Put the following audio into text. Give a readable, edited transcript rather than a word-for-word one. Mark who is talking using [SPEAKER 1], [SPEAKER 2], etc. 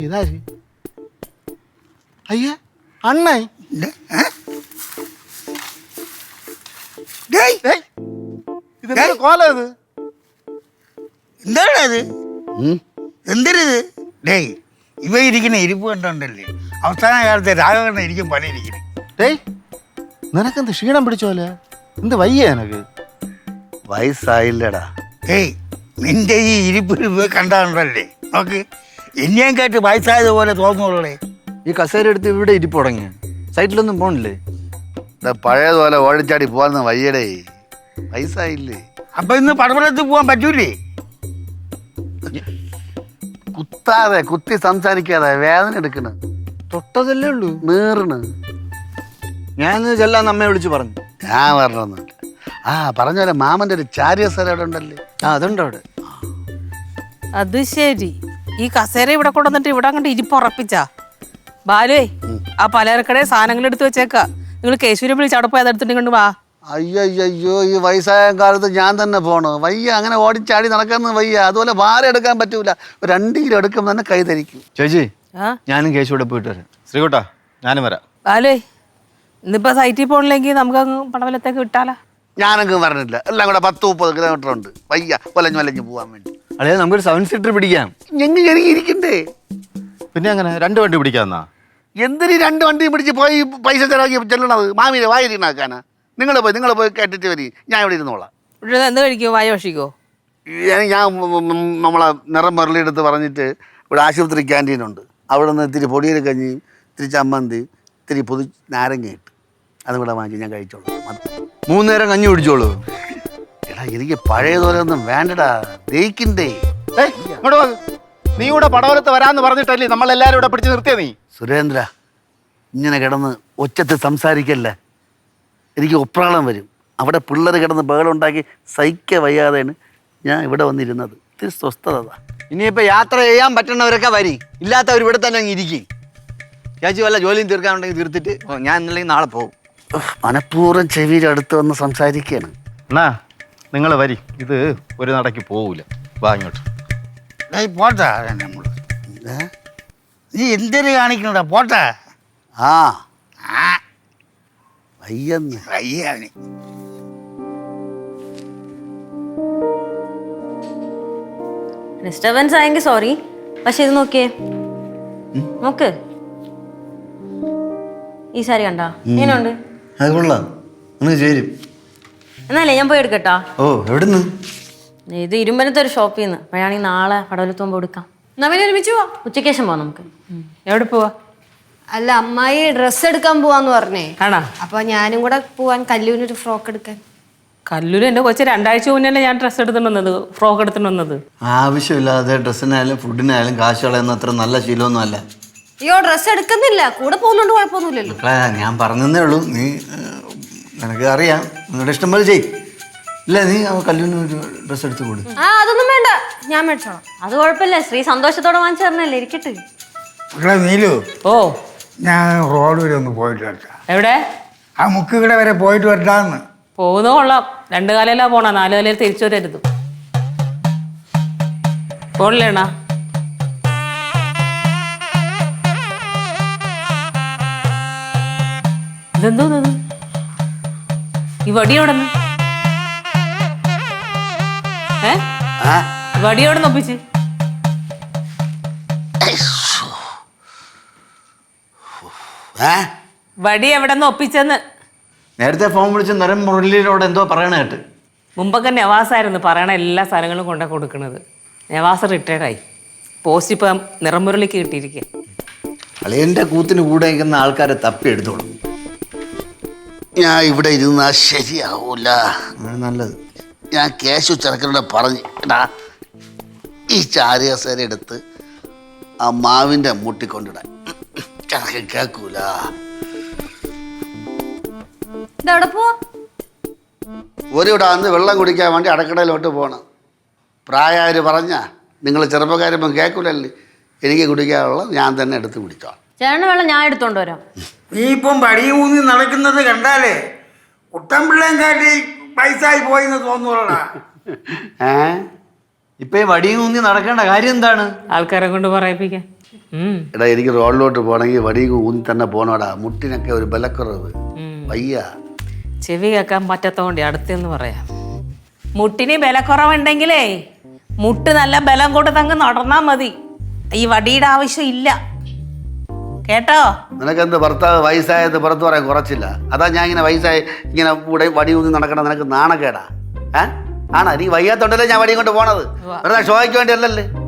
[SPEAKER 1] ഇതാര്? അയ്യ അണ്ണേ, ഇതെന്താ കോല ഇത്?
[SPEAKER 2] എന്താണത്? എന്തരുത്? ഡേയ്, ഇവ ഇരിക്കുന്ന ഇരിപ്പ് കണ്ടോണ്ടല്ലേ അവസാന കാലത്തെ രാഘവണ്ണ ഇരിക്കും പല ഇരിക്കുന്നത്.
[SPEAKER 1] ഡേയ്, നിനക്കെന്ത് ക്ഷീണം പിടിച്ചോലെ? എന്ത് വയ്യ എനക്ക്?
[SPEAKER 3] വയസ്സായില്ലടാ.
[SPEAKER 2] ഏയ്, നിന്റെ ഈ ഇരിപ്പ് കണ്ടാണ്ടല്ലേ നോക്ക്, എന്നെയും കേട്ട് വയസ്സായതുപോലെ തോന്നുള്ളേ.
[SPEAKER 4] ഈ കസേര എടുത്ത് ഇവിടെ ഇരിപ്പ് തുടങ്ങി, സൈറ്റിലൊന്നും പോണില്ലേ?
[SPEAKER 3] പഴയതുപോലെ ഓടിച്ചാടി പോവാന്ന് വയ്യടേ, വയസ്സായില്ലേ.
[SPEAKER 2] അപ്പൊ ഇന്ന് പടവലത്ത് പോവാൻ പറ്റൂലേ?
[SPEAKER 3] കുത്താതെ കുത്തി സംസാരിക്കാതെ വേദന എടുക്കണ.
[SPEAKER 4] തൊട്ടതല്ലേ ഉള്ളൂ,
[SPEAKER 3] നീറണ്.
[SPEAKER 4] ഞാൻ ചെല്ലാന്ന് അമ്മയെ വിളിച്ചു പറഞ്ഞു.
[SPEAKER 3] ഞാൻ പറഞ്ഞൊന്നുമില്ല. ആ പറഞ്ഞ പോലെ മാമന്റെ ഒരു ചാരിയ സ്ഥലം അവിടെ ഉണ്ടല്ലേ?
[SPEAKER 4] ആ അതുണ്ട് അവിടെ.
[SPEAKER 5] അത് ശരി, ഈ കസേര ഇവിടെ കൊണ്ടുവന്നിട്ട് ഇവിടെ അങ്ങോട്ട് ഇരിപ്പുറപ്പിച്ചാ? ബാലുവേ, ആ പലചരക്കടെ സാധനങ്ങൾ എടുത്ത് വെച്ചേക്കാ. നിങ്ങൾ കേശുവിനെ വിളിച്ച് അവിടെ പോയി അതെടുത്തിട്ട് കൊണ്ട് വാ.
[SPEAKER 3] അയ്യോ, ഈ വയസ്സായ കാലത്ത് ഞാൻ തന്നെ പോണോ? വയ്യ, അങ്ങനെ ഓടിച്ചാടി നടക്കാന്ന് വയ്യ. അതുപോലെ ഭാരം എടുക്കാൻ പറ്റൂല. 2 കിലോ എടുക്കുമ്പോൾ തന്നെ കൈ ധരിക്കും.
[SPEAKER 4] ചേച്ചി, ഞാനും കേശുവിടെ പോയിട്ട് വരാം.
[SPEAKER 1] ശ്രീകുട്ടാ, ഞാനും വരാം.
[SPEAKER 5] ബാലുവേ, ഇന്നിപ്പോ സൈറ്റിൽ പോകണില്ലെങ്കിൽ നമുക്ക് അങ്ങ് പടവലത്തേക്ക് വിട്ടാലാ?
[SPEAKER 3] ഞാനങ്ങ് പറഞ്ഞില്ല, എല്ലാം കൂടെ 10-30 കിലോമീറ്റർ ഉണ്ട്. വയ്യ, വലഞ്ഞു പോവാൻ വേണ്ടി.
[SPEAKER 4] അളിയാ, നമുക്കൊരു 7 സീറ്റർ പിടിക്കാം.
[SPEAKER 3] ഞങ്ങൾ ഇരിക്കണ്ടേ?
[SPEAKER 1] പിന്നെ അങ്ങനെ 2 വണ്ടി പിടിക്കാന്നാ?
[SPEAKER 3] എന്തിനീ 2 വണ്ടിയും പിടിച്ച് പോയി പൈസ ചെലവാക്കി ചെല്ലണത്? മാമിയെ വായിരിക്കണാക്കാനാ? നിങ്ങൾ പോയി കേട്ടിട്ട് വരി, ഞാൻ ഇവിടെ ഇരുന്നോളാം.
[SPEAKER 5] ഇവിടെ എന്ത് കഴിക്കോ? വായ ഭക്ഷിക്കോ?
[SPEAKER 3] ഞാൻ നമ്മളെ നിറം മുരളിയെടുത്ത് പറഞ്ഞിട്ട് ഇവിടെ ആശുപത്രി ക്യാൻറ്റീനുണ്ട്, അവിടെ നിന്ന് ഇത്തിരി പൊടിയൽ കഞ്ഞിയും ഇത്തിരി ചമ്മന്തി ഇത്തിരി പൊതി നാരങ്ങ ഇട്ട് അതും കൂടെ വാങ്ങിച്ച് ഞാൻ കഴിച്ചോളൂ.
[SPEAKER 4] 3 നേരം കഞ്ഞി കുടിച്ചോളൂ.
[SPEAKER 3] എടാ, എനിക്ക് പഴയതുപോലെ ഒന്നും വേണ്ടടാ, ദഹിക്കണ്ടേ.
[SPEAKER 1] ഇങ്ങോട്ട് വാ. നീ ഇവിടെ പടവലത്ത് വരാന്ന് പറഞ്ഞിട്ടല്ലേ നമ്മളെല്ലാരും ഇവിടെ പിടിച്ച് നിർത്തിയ നീ?
[SPEAKER 3] സുരേന്ദ്ര, ഇങ്ങനെ കിടന്ന് ഒച്ചത്ത് സംസാരിക്കല്ലേ, എനിക്ക് ഒപ്രാളം വരും. അവിടെ പിള്ളേർ കിടന്ന് ബഹളമുണ്ടാക്കി സഹിക്ക വയ്യാതെയാണ് ഞാൻ ഇവിടെ വന്നിരുന്നത്. ഇത്തിരി സ്വസ്ഥത.
[SPEAKER 4] ഇനിയിപ്പോ യാത്ര ചെയ്യാൻ പറ്റുന്നവരൊക്കെ വരി, ഇല്ലാത്തവർ ഇവിടെ തന്നെ അങ്ങ് ഇരിക്കും. ചേച്ചി വല്ല ജോലിയും തീർക്കാനുണ്ടെങ്കിൽ തീർത്തിട്ട് ഞാൻ ഇന്നല്ലെങ്കിൽ നാളെ പോകും.
[SPEAKER 3] മനഃപൂർവ്വം ചെവിയുടെ അടുത്ത് വന്ന് സംസാരിക്കുകയാണ്.
[SPEAKER 1] എന്നാ നിങ്ങൾ വരി, ഇത് ഒരു നടക്ക് പോവൂല. വാ ഇങ്ങോട്ട്.
[SPEAKER 2] പോട്ടാ നമ്മൾ. നീ എന്തൊരു കാണിക്കണടാ? പോട്ടാ.
[SPEAKER 3] ആ വയ്യെന്ന്
[SPEAKER 2] വയ്യാണ്.
[SPEAKER 6] ഡിസ്റ്റർബൻസ് ആയെങ്കിൽ സോറി. പക്ഷെ ഇത് നോക്കിയേ, നോക്ക്, ഈ സാരി കണ്ടാ എങ്ങനെയുണ്ട്?
[SPEAKER 4] അത് കൊള്ളാം, ചേരും.
[SPEAKER 6] എന്നാലേ ഞാൻ പോയി എടുക്കട്ടാ.
[SPEAKER 4] ഓ, എവിടുന്ന്?
[SPEAKER 6] ഇത് ഇരുമ്പനത്തെ ഒരു ഷോപ്പിൽ നിന്ന്. അപ്പോഴാണെങ്കിൽ നാളെ പടവലത്ത് പോകുമ്പോൾ എടുക്കാം.
[SPEAKER 5] നമ്മൾ ഒരുമിച്ച് പോവാ.
[SPEAKER 6] ഉച്ചയ്ക്ക് ശേഷം പോവാം നമുക്ക്.
[SPEAKER 5] എവിടെ പോവാ?
[SPEAKER 7] അല്ല, അമ്മായി ഡ്രസ്സ് എടുക്കാൻ പോവാന്ന് പറഞ്ഞേ.
[SPEAKER 5] ആണോ?
[SPEAKER 7] അപ്പൊ ഞാനും കൂടെ പോവാൻ, കല്ലൂരിനൊരു ഫ്രോക്ക് എടുക്കാൻ.
[SPEAKER 5] കല്ലൂര് എൻ്റെ കൊച്ചു 2 ആഴ്ച മുന്നേ ഞാൻ ഡ്രസ്സ് എടുത്തിട്ട് വന്നത്, ഫ്രോക്ക് എടുത്തിട്ട് വന്നത്.
[SPEAKER 4] ആവശ്യമില്ലാതെ ഡ്രസ്സിനായാലും ഫുഡിനായാലും കാശ് കളയുന്ന അത്ര നല്ല ശീലമൊന്നും അല്ല.
[SPEAKER 7] അയ്യോ, ഡ്രസ്സ് എടുക്കുന്നില്ല, കൂടെ പോകുന്നുണ്ട്, കുഴപ്പമൊന്നുമില്ലല്ലോ.
[SPEAKER 4] മക്കളെ, ഞാൻ പറഞ്ഞതേ ഉള്ളൂ. നീ നിനക്ക് അറിയാം, നിങ്ങളുടെ ഇഷ്ടം പോലെ ചെയ്. ഇല്ല, നീ കല്ലൂരിന് ഒരു ഡ്രസ്സ് എടുത്ത് കൊടു.
[SPEAKER 7] അതൊന്നും വേണ്ട, ഞാൻ മേടിച്ചോളാം.
[SPEAKER 6] അത് കുഴപ്പമില്ല, ശ്രീ സന്തോഷത്തോടെ വാങ്ങിച്ചു തരണല്ലേ, ഇരിക്കട്ടെ.
[SPEAKER 2] മക്കളെ നീലു,
[SPEAKER 5] ഓ,
[SPEAKER 2] ഞാൻ റോഡ് വരെ ഒന്ന് പോയിട്ട് വരട്ടാ.
[SPEAKER 5] എവിടെ?
[SPEAKER 2] ആ മുക്കിവിടെ വരെ പോയിട്ട് വരട്ടാന്ന്.
[SPEAKER 5] പോകുന്ന കൊള്ളാം. 2 കാലയിലാ പോണ, 4 കാലയിൽ തിരിച്ചു വരരുത്. പോണില്ലേണ? ഇതെന്തോന്നത്? ഈ വടി എവിടെ നിന്ന്? വടി എവിടെ നിന്ന് ഒപ്പിച്ച്? വടി എവിടെ നിന്ന് ഒപ്പിച്ചെന്ന്?
[SPEAKER 4] നേരത്തെ ഫോൺ വിളിച്ച് നിറം മുരളിയിലോട് എന്തോ പറയണ കേട്ട്.
[SPEAKER 5] മുമ്പൊക്കെ നവാസായിരുന്നു പറയണ എല്ലാ സാധനങ്ങളും കൊണ്ടു കൊടുക്കുന്നത്. നവാസ് റിട്ടയർഡായി. പോസ്റ്റ് ഇപ്പം നിറമുരളിക്ക് കിട്ടിയിരിക്കുക.
[SPEAKER 4] അളിയൻ്റെ കൂത്തിന് കൂടെ നിൽക്കുന്ന ആൾക്കാരെ തപ്പി എടുത്തോളും.
[SPEAKER 3] ഞാൻ ഇവിടെ ഇരുന്നാ ശരിയാവൂല.
[SPEAKER 4] നല്ലത്.
[SPEAKER 3] ഞാൻ കേശു ചെറുക്കനോട് പറഞ്ഞു, എടാ ഈ ചാരികസേര എടുത്ത് ആ മാവിൻ്റെ മുട്ടിക്കൊണ്ടിടാൻ. ചെറുക്കൻ കേൾക്കൂല.
[SPEAKER 7] ഇതെവിടെ പോവാ?
[SPEAKER 3] ഒരിവിടെ വന്ന് വെള്ളം കുടിക്കാൻ വേണ്ടി അടക്കടയിലോട്ട് പോകണം. പ്രായമായവർ പറഞ്ഞാ നിങ്ങൾ ചെറുപ്പക്കാരിപ്പം കേൾക്കൂലല്ലേ. എനിക്ക് കുടിക്കാനുള്ള ഞാൻ തന്നെ എടുത്ത് കുടിച്ചോളാം.
[SPEAKER 6] ചേട്ടന് വെള്ളം ഞാൻ എടുത്തോണ്ട് വരാം.
[SPEAKER 2] നീ ഇപ്പം പടിയും ഊന്നി നടക്കുന്നത് കണ്ടാലേ കുട്ടൻപിള്ളേം കാട്ടി പൈസായി പോയിന്ന് തോന്നുള്ളടാ.
[SPEAKER 4] ഇപ്പൊ ഈ വടിയും ഊന്നി നടക്കേണ്ട കാര്യം എന്താണ്?
[SPEAKER 5] ആൾക്കാരെ കൊണ്ട് പറയിപ്പിക്കാൻ.
[SPEAKER 3] എടാ എനിക്ക് റോഡിലോട്ട് പോകണമെങ്കിൽ വടിയും ഊന്നി തന്നെ പോകണോടാ. മുട്ടിനൊക്കെ ഒരു ബലക്കുറവ്. വയ്യ.
[SPEAKER 5] ചെവി കേൾക്കാൻ പറ്റാത്തോണ്ട് അടുത്തെന്ന് പറയാം. മുട്ടിന് ബലക്കുറവുണ്ടെങ്കിലേ മുട്ട് നല്ല ബലം കൊടുത്തങ്ങ് നടന്നാ മതി. ഈ വടിയുടെ ആവശ്യം ഇല്ല കേട്ടോ.
[SPEAKER 3] നിനക്കെന്ത് ഭർത്താവ് വയസ്സായത് പുറത്ത് പറയാൻ കുറച്ചില്ല? അതാ ഞാൻ ഇങ്ങനെ വയസ്സായി ഇങ്ങനെ ഇവിടെ വടി ഊന്നി നടക്കണം. നിനക്ക് നാണക്കേടാ? ആണോ? നീ വയ്യാത്തോണ്ടല്ലേ ഞാൻ വടിയും കൊണ്ട് പോണത്. വെറുതെ ഷോയ്ക്ക് വേണ്ടിയല്ലല്ലേ.